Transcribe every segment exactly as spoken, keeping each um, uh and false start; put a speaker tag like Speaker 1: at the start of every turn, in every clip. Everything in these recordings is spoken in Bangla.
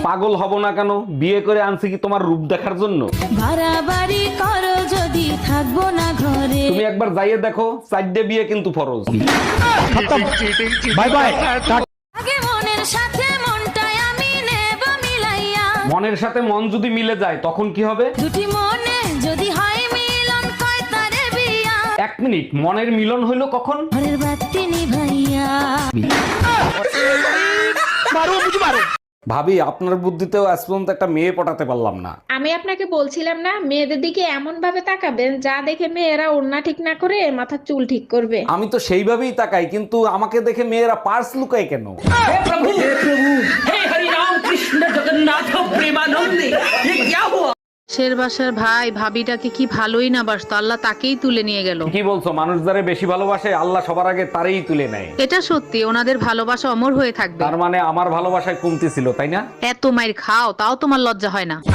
Speaker 1: পাগল হব না কেন? বিয়ে করে আনছি কি তোমার রূপ দেখার জন্য?
Speaker 2: বাড়াবাড়ি করো যদি থাকবো না ঘরে।
Speaker 1: তুমি একবার যাইয়ে দেখো, চারটে বিয়ে কিন্তু ফরজ।
Speaker 3: Bye bye.
Speaker 2: আগে মনের সাথে মনটাই আমি নেব মিলাইয়া।
Speaker 1: মনের সাথে মন যদি মিলে যায় তখন কি হবে?
Speaker 2: দুটি মনে যদি হয় মিলন কয় তারে বিয়া।
Speaker 1: এক মিনিট, মনের মিলন হইলো কখন?
Speaker 2: ঘরের বাতি নিভাইয়া।
Speaker 1: ভাবি, আপনার বুদ্ধিতেও আজ পর্যন্ত একটা মেয়ে পটাতে পারলাম না।
Speaker 4: আমি আপনাকে বলছিলাম না, মেয়েদের দিকে এমন ভাবে তাকাবেন যা দেখে মেয়েরা ওড়না ঠিক না করে মাথার চুল ঠিক করবে।
Speaker 1: আমি তো সেইভাবেই তাকাই, কিন্তু আমাকে দেখে মেয়েরা পার্স লুকায় কেন?
Speaker 5: শের বাসার ভাই ভাবিটাকে কি ভালোই না বাসতো, আল্লাহ তাকেই তুলে নিয়ে গেল।
Speaker 1: কি বলছো? মানুষ যারে বেশি ভালোবাসে আল্লাহ সবার আগে তারই তুলে নেয়।
Speaker 5: এটা সত্যি, ওনাদের ভালোবাসা অমর হয়ে থাকবে।
Speaker 1: তার মানে আমার ভালোবাসায় কমতি ছিল, তাই না?
Speaker 5: এত মাইর খাও তাও তোমার লজ্জা হয় না?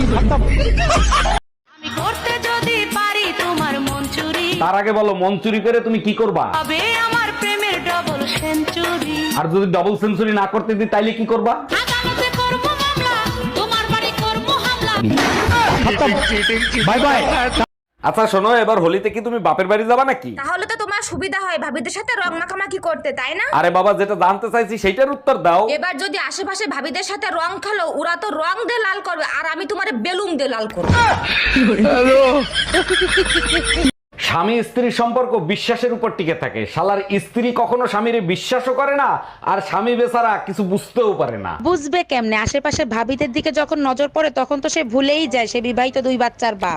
Speaker 2: আমি করতে যদি পারি তোমার মন চুরি,
Speaker 1: তার আগে বলো, মন চুরি করে তুমি কি করবা?
Speaker 2: তবে আমার প্রেমের ডবল সেঞ্চুরি।
Speaker 1: আর যদি ডাবল সেঞ্চুরি না করতে দিই তাইলে কি করবা?
Speaker 2: আদালতে করবো মামলা, তোমার বাড়ি করবো হামলা।
Speaker 3: Bye bye.
Speaker 1: আচ্ছা শোনো, এবার হোলিতে কি তুমি বাপের বাড়ি যাবা নাকি?
Speaker 6: তাহলে তো তোমার সুবিধা হয় ভাবিদের সাথে রং মাখামাখি করতে, তাই না?
Speaker 1: আরে বাবা, যেটা জানতে চাইছি সেইটার উত্তর দাও।
Speaker 6: এবার যদি আশেপাশে ভাবিদের সাথে রং খেলো, ওরা তো রং দিয়ে লাল করবে আর আমি তোমার বেলুন দিয়ে লাল করবো।
Speaker 1: স্বামী স্ত্রীর সম্পর্ক বিশ্বাসের উপর টিকে থাকে। শালার স্ত্রী কখনো স্বামীরে বিশ্বাসও করে না, আর স্বামী বেচারা কিছু বুঝতেও পারে না।
Speaker 7: বুঝবে কেমনে? আশেপাশে ভাবিদের দিকে যখন নজর পড়ে তখন তো সে ভুলেই যায় সে বিবাহিত দুই বাচ্চার বাপ।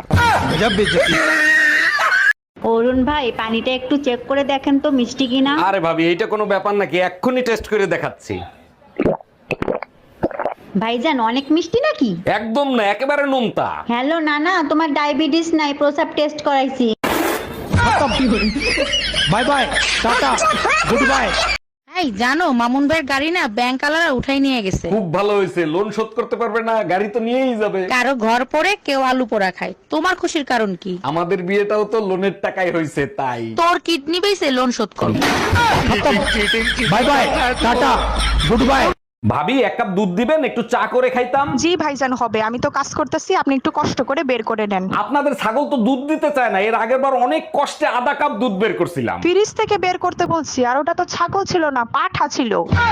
Speaker 8: অরুণ ভাই, পানিটা একটু চেক করে দেখেন তো মিষ্টি কিনা।
Speaker 1: আরে ভাবি, এইটা কোনো ব্যাপার নাকি? এক্ষুনি টেস্ট করে দেখাচ্ছি।
Speaker 8: ভাইজান, অনেক মিষ্টি নাকি?
Speaker 1: একদম না, একেবারে নোনতা।
Speaker 8: হ্যালো নানা, তোমার ডায়াবেটিস নাই, প্রসাব টেস্ট করাইছি।
Speaker 3: Bye bye, tata, goodbye.
Speaker 7: এই জানো, মামুন ভাইয়ের গাড়ি না ব্যাংক আলারা উঠাই নিয়ে গেছে।
Speaker 1: খুব ভালো হয়েছে, লোন শোধ করতে পারবে না, গাড়ি তো নিয়েই যাবে।
Speaker 7: কারো ঘর পড়ে কেউ আলু পোড়া খায়, তোমার খুশির কারণ কি?
Speaker 1: আমাদের বিয়েটাও তো লোনের টাকায় হয়েছে, তাই।
Speaker 7: তোর কিডনি বেঁচে লোন শোধ করো।
Speaker 3: Bye bye, tata, goodbye.
Speaker 1: ভাবি, এক কাপ দুধ দিবেন, একটু চা করে খাইতাম।
Speaker 9: জি ভাইজান, হবে। আমি তো কাজ করতেছি, আপনি একটু কষ্ট করে বের করে নেন।
Speaker 1: আপনাদের ছাগল তো দুধ দিতে চায় না। এর আগের বার অনেক কষ্টে আধা কাপ দুধ বের করছিলাম।
Speaker 9: ফ্রিজ থেকে বের করতে বলছি, আর ওটা তো ছাগল ছিল না, পাঠা ছিল।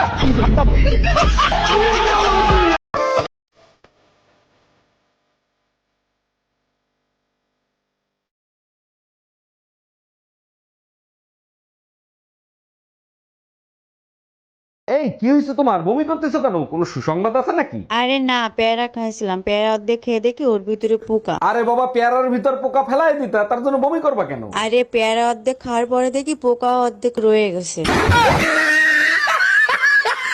Speaker 1: এই কি হয়েছে তোমার? বমি করতেছো কেন? কোনো সুসংবাদ আছে নাকি?
Speaker 8: আরে না, পেয়ারা খাইছিলাম, পেয়ারা অর্ধেক খেয়ে দেখি ওর ভিতরে পোকা।
Speaker 1: আরে বাবা, পেয়ারার ভিতর পোকা ফেলাই দিতা, তার জন্য বমি করবা কেন?
Speaker 8: আরে পেয়ারা অর্ধেক খাওয়ার পরে দেখি পোকা অর্ধেক রয়ে গেছে।